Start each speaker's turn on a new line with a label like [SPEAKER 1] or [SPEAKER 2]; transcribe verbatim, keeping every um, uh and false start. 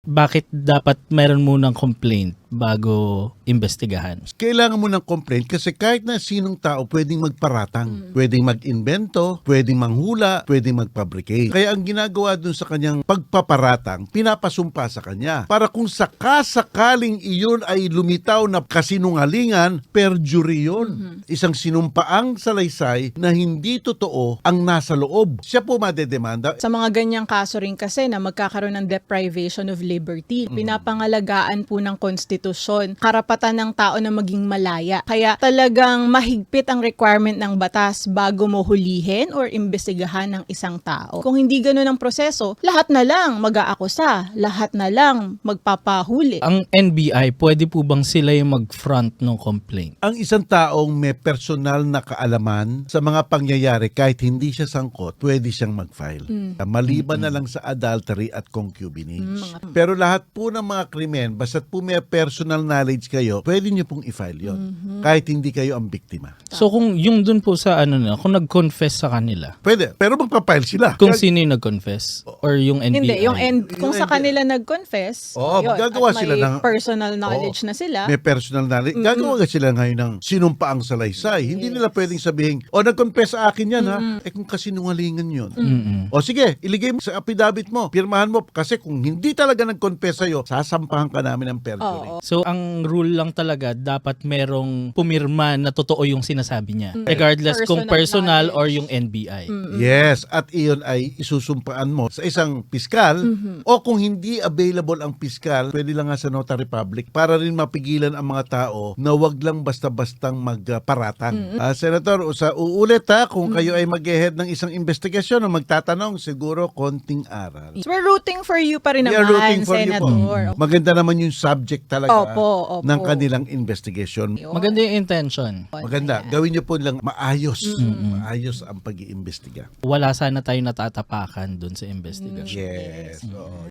[SPEAKER 1] bakit dapat meron munang complaint bago imbestigahan?
[SPEAKER 2] Kailangan mo ng complaint kasi kahit na sinong tao pwedeng magparatang, pwedeng mag-invento, pwedeng manghula, pwedeng mag-fabricate. Kaya ang ginagawa dun sa kanyang pagpaparatang, pinapasumpa sa kanya. Para kung sakasakaling iyon ay lumitaw na kasinungalingan, perjury yun. Mm-hmm. Isang sinumpaang salaysay na hindi totoo ang nasa loob. Siya po madedemanda.
[SPEAKER 3] Sa mga ganyang kaso rin kasi na magkakaroon ng deprivation of liberty, mm-hmm. pinapangalagaan po ng konstitusyon, karapatan ng tao na maging malaya. Kaya talagang mahigpit ang requirement ng batas bago mo hulihin or imbestigahan ng isang tao. Kung hindi ganun ang proseso, lahat na lang mag-aakusa, lahat na lang magpapahuli.
[SPEAKER 1] Ang N B I, pwede po bang sila yung mag-front ng complaint?
[SPEAKER 2] Ang isang taong may personal na kaalaman sa mga pangyayari kahit hindi siya sangkot, pwede siyang mag-file. Mm. Maliban mm-hmm. na lang sa adultery at concubinage. Mm-hmm. Pero lahat po ng mga krimen, basta't po may personal knowledge kayo, pwede nyo pong i-file yun. Mm-hmm. Kahit hindi kayo ang biktima.
[SPEAKER 1] So kung yung dun po sa ano na, kung nag-confess sa kanila.
[SPEAKER 2] Pwede, pero magpa-file sila.
[SPEAKER 1] Kung Kaya, sino yung nag-confess? Or yung N B I?
[SPEAKER 3] Hindi, yung N- kung
[SPEAKER 2] yung
[SPEAKER 3] sa kanila nag-confess,
[SPEAKER 2] oh,
[SPEAKER 3] yun,
[SPEAKER 2] gagawa
[SPEAKER 3] at
[SPEAKER 2] sila
[SPEAKER 3] may
[SPEAKER 2] ng
[SPEAKER 3] personal knowledge
[SPEAKER 2] oh,
[SPEAKER 3] na sila.
[SPEAKER 2] May personal knowledge. Mm-hmm. Gagawa sila ngayon ng sinumpaang salaysay. Hindi
[SPEAKER 3] yes.
[SPEAKER 2] nila pwedeng sabihin, o nag-confess sa akin yan mm-hmm. ha. Eh kung kasinungalingan yun. Mm-hmm. O sige, iligay mo sa affidavit mo, pirmahan mo. Kasi kung hindi talaga nag-confess sa'yo, sasampahan ka namin ng perjury.
[SPEAKER 3] Oh, oh.
[SPEAKER 1] So ang rule lang talaga, dapat merong pumirma na totoo yung sinasabi niya. Mm-hmm. Regardless personal kung personal knowledge. Or yung N B I.
[SPEAKER 2] Mm-hmm. Yes, at iyon ay isusumpaan mo sa isang piskal mm-hmm. o kung hindi available ang piskal, pwede lang nga sa notary public para rin mapigilan ang mga tao na wag lang basta-bastang magparatang. Mm-hmm. Uh, Senator, sa uulit ha, kung mm-hmm. kayo ay mag-head ng isang investigasyon o magtatanong, siguro konting aral.
[SPEAKER 3] So we're rooting for you pa rin
[SPEAKER 2] We are
[SPEAKER 3] naman,
[SPEAKER 2] rooting for
[SPEAKER 3] Senator.
[SPEAKER 2] You po. Maganda naman yung subject talaga
[SPEAKER 3] opo, opo.
[SPEAKER 2] ng kanilang investigation.
[SPEAKER 1] Maganda yung intention.
[SPEAKER 2] Maganda. Gawin nyo po lang maayos. Mm-hmm. Maayos ang pag-iimbestiga.
[SPEAKER 1] Wala sana tayo natatapakan dun sa investigation.
[SPEAKER 2] Yes. Mm-hmm.